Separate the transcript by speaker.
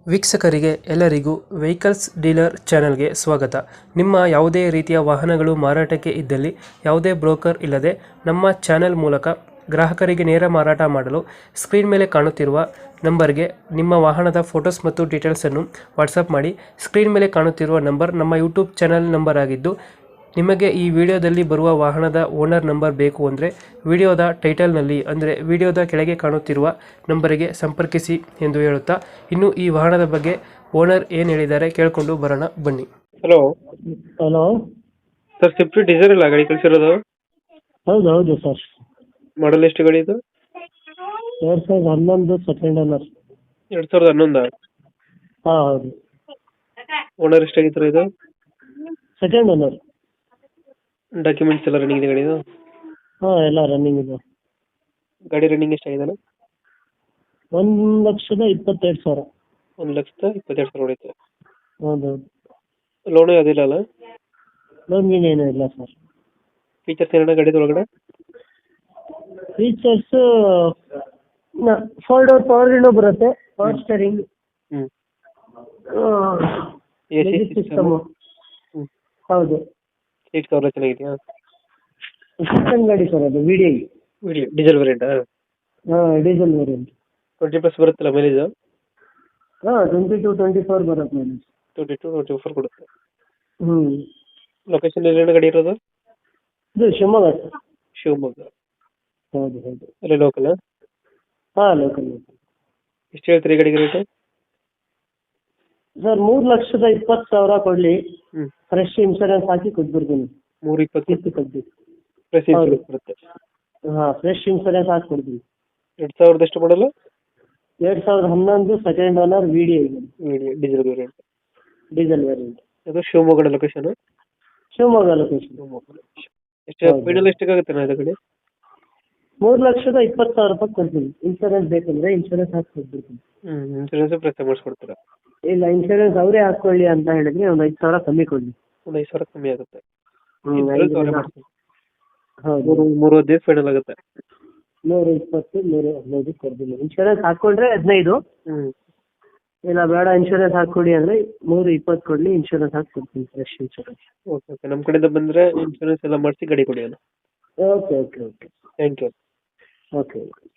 Speaker 1: ವೀಕ್ಷಕರಿಗೆ ಎಲ್ಲರಿಗೂ vehicles dealer ಚಾನೆಲ್ಗೆ ಸ್ವಾಗತ. ನಿಮ್ಮ ಯಾವುದೇ ರೀತಿಯ ವಾಹನಗಳು ಮಾರಾಟಕ್ಕೆ ಇದ್ದಲ್ಲಿ ಯಾವುದೇ ಬ್ರೋಕರ್ ಇಲ್ಲದೆ ನಮ್ಮ ಚಾನೆಲ್ ಮೂಲಕ ಗ್ರಾಹಕರಿಗೆ ನೇರ ಮಾರಾಟ ಮಾಡಲು ಸ್ಕ್ರೀನ್ ಮೇಲೆ ಕಾಣುತ್ತಿರುವ ನಂಬರ್ಗೆ ನಿಮ್ಮ ವಾಹನದ ಫೋಟೋಸ್ ಮತ್ತು ಡೀಟೇಲ್ಸನ್ನು ವಾಟ್ಸಪ್ ಮಾಡಿ. ಸ್ಕ್ರೀನ್ ಮೇಲೆ ಕಾಣುತ್ತಿರುವ ನಂಬರ್ ನಮ್ಮ ಯೂಟ್ಯೂಬ್ ಚಾನೆಲ್ ನಂಬರ್ ಆಗಿದ್ದು, ನಿಮಗೆ ಈ ವಿಡಿಯೋದಲ್ಲಿ ಬರುವ ವಾಹನದ ಓನರ್ ನಂಬರ್ ಬೇಕು ಅಂದರೆ ವಿಡಿಯೋದ ಟೈಟಲ್ನಲ್ಲಿ ಅಂದರೆ ವಿಡಿಯೋದ ಕೆಳಗೆ ಕಾಣುತ್ತಿರುವ ನಂಬರಿಗೆ ಸಂಪರ್ಕಿಸಿ ಎಂದು ಹೇಳುತ್ತಾ, ಇನ್ನು ಈ ವಾಹನದ ಬಗ್ಗೆ ಓನರ್ ಏನು ಹೇಳಿದ್ದಾರೆ ಕೇಳಿಕೊಂಡು ಬರೋಣ ಬನ್ನಿ. Hello
Speaker 2: hello.
Speaker 1: Sir, Swift Dzire ಇಲ್ಲ ಗಾಡಿ ಕಳಿಸಿರೋದು?
Speaker 2: ಹೌದು ಹೌದು ಸರ್.
Speaker 1: ಮಾಡಲ್ ಎಷ್ಟು ಗಾಡಿ ಇದು?
Speaker 2: 2011 ಸೆಕೆಂಡ್ ಓನರ್.
Speaker 1: 2011?
Speaker 2: ಹಾಂ ಹೌದು.
Speaker 1: ಓನರ್ ಎಷ್ಟಾಗಿತ್ತು ಇದು?
Speaker 2: Second owner.
Speaker 1: ಡಾಕ್ಯುಮೆಂಟ್ಸ್ ಎಲ್ಲ ರನ್ನಿಂಗ್ ಇದೆ ಗಾಡಿದು?
Speaker 2: ಹಾಂ ಎಲ್ಲ ರನ್ನಿಂಗ್ ಇದೆ.
Speaker 1: ಗಾಡಿ ರನ್ನಿಂಗ್ ಎಷ್ಟಾಗಿದೆ?
Speaker 2: 1,22,000.
Speaker 1: 1,22,000 ಹೊಡೈತೆ.
Speaker 2: ಹೌದು ಹೌದು.
Speaker 1: ಲೋನು ಯಾವುದಿಲ್ಲ ಅಲ್ಲ?
Speaker 2: ಲೋನ್ ಗೀನ್ ಏನೂ ಇಲ್ಲ ಸರ್.
Speaker 1: ಫೀಚರ್ಸ್ ಏನಾರ ಗಾಡಿದ ಒಳಗಡೆ?
Speaker 2: ಫೀಚರ್ಸು 4 ಡೋರ್ ಪವರ್ ವಿಂಡೋ ಬರುತ್ತೆ, ಪವರ್ ಸ್ಟೇರಿಂಗ್,
Speaker 1: ಹ್ಞೂ. AC
Speaker 2: system. ಹೌದು.
Speaker 1: ಸೀಟ್ ಕವರ್ ಚೆನ್ನಾಗಿದೆಯಾ?
Speaker 2: ಸಿಸ್ಟಮ್ ಗಾಡಿ ಸರ್ ಅದು, ವಿ ಡಿ ಐ.
Speaker 1: ಡೀಸೆಲ್ ವೇರಿಯಂಟಾ?
Speaker 2: ಹಾಂ ಡೀಸೆಲ್ ವೇರಿಯಂಟ್.
Speaker 1: 20+ ಬರುತ್ತಲ್ಲ ಮೈಲೇಜ್?
Speaker 2: ಹಾಂ 22-24 ಬರುತ್ತೆ ಮೈಲೇಜ್.
Speaker 1: 22-24 ಕೊಡುತ್ತೆ.
Speaker 2: ಹ್ಞೂ.
Speaker 1: ಲೊಕೇಶನ್ ಎಲ್ಲಿ ಗಾಡಿ ಇರೋದು?
Speaker 2: ಇದು ಶಿವಮೊಗ್ಗ ಸರ್.
Speaker 1: ಶಿವಮೊಗ್ಗ.
Speaker 2: ಹೌದು ಹೌದು.
Speaker 1: ಅಲ್ಲೇ ಲೋಕಲ್?
Speaker 2: ಹಾಂ ಲೋಕಲ್.
Speaker 1: ಎಷ್ಟು ಹೇಳ್ತೀರಿ ಗಾಡಿಗೆ ರೇಟು?
Speaker 2: ಸರ್ 3,20,000 ಕೊಡಲಿ,
Speaker 1: ಹ್ಞೂ.
Speaker 2: ಫ್ರೆಶ್ ಇನ್ಶೂರೆನ್ಸ್ ಹಾಕಿ ಕೊಟ್ಬಿಡ್ತೀನಿ.
Speaker 1: 320
Speaker 2: ಕಿಸ್ತಿ ಕೊಡ್ತೀನಿ.
Speaker 1: ಪ್ಲಸ್
Speaker 2: ಹೌದು.
Speaker 1: ಇನ್ಶೂರೆನ್ಸ್ ಬರುತ್ತೆ.
Speaker 2: ಹಾಂ ಫ್ರೆಶ್ ಇನ್ಶೂರೆನ್ಸ್ ಹಾಕಿ ಕೊಡ್ತೀನಿ.
Speaker 1: 2000 ಎಷ್ಟು ಮಾಡಲು?
Speaker 2: 2011 second owner, V D I
Speaker 1: diesel variant.
Speaker 2: Diesel variant.
Speaker 1: ಅದು ಶಿವಮೊಗ್ಗ ಲೊಕೇಶನ್?
Speaker 2: ಶಿವಮೊಗ್ಗ ಲೊಕೇಶನ್.
Speaker 1: ಶಿವಮೊಗ್ಗ. ಎಷ್ಟು
Speaker 2: ಹೌದು.
Speaker 1: ಫೈನಲ್ ಎಷ್ಟಾಗುತ್ತೆ ನಾ ಇದು ಗಾಡಿ?
Speaker 2: 3,20,000 ಕೊಡ್ತೀನಿ. ಇನ್ಶೂರೆನ್ಸ್ ಬೇಕಂದ್ರೆ ಇನ್ಶೂರೆನ್ಸ್ ಹಾಕಿ ಕೊಟ್ಬಿಡ್ತೀನಿ.
Speaker 1: ಇನ್ಶೂರೆನ್ಸ್ ಪ್ಲಸ್ ಮಾಡಿಸ್ಕೊಡ್ತೀರಾ?
Speaker 2: ಇಲ್ಲ, ಇನ್ಶೂರೆನ್ಸ್ ಅವರೇ ಹಾಕ್ಕೊಳ್ಳಿ ಅಂತ ಹೇಳಿದ್ರೆ ಒಂದು 5,000 ಕಮ್ಮಿ ಕೊಡಲಿ.
Speaker 1: ಒಂದು 5,000 ಕಮ್ಮಿ ಆಗುತ್ತೆ.
Speaker 2: ಹೌದು.
Speaker 1: 3,15 ಫೈನಲ್ ಆಗುತ್ತೆ.
Speaker 2: 120, 115 ಕೊಡ್ತೀನಿ. ಇನ್ಶೂರೆನ್ಸ್ ಹಾಕ್ಕೊಂಡ್ರೆ 15.
Speaker 1: ಹ್ಞೂ.
Speaker 2: ಇಲ್ಲ ಬೇಡ ಇನ್ಶೂರೆನ್ಸ್ ಹಾಕ್ಕೊಡಿ ಅಂದರೆ 320 ಕೊಡಲಿ, ಇನ್ಶೂರೆನ್ಸ್ ಹಾಕಿ ಕೊಡ್ತೀನಿ, ಫ್ರೆಶ್ ಇನ್ಶೂರೆನ್ಸ್.
Speaker 1: Okay okay. ನಮ್ಮ ಕಡೆಯಿಂದ ಬಂದರೆ ಇನ್ಶೂರೆನ್ಸ್ ಎಲ್ಲ ಮಾಡಿಸಿ ಗಾಡಿ ಕೊಡಿ ಅಣ್ಣ.
Speaker 2: Okay okay okay.
Speaker 1: Thank you.
Speaker 2: Okay.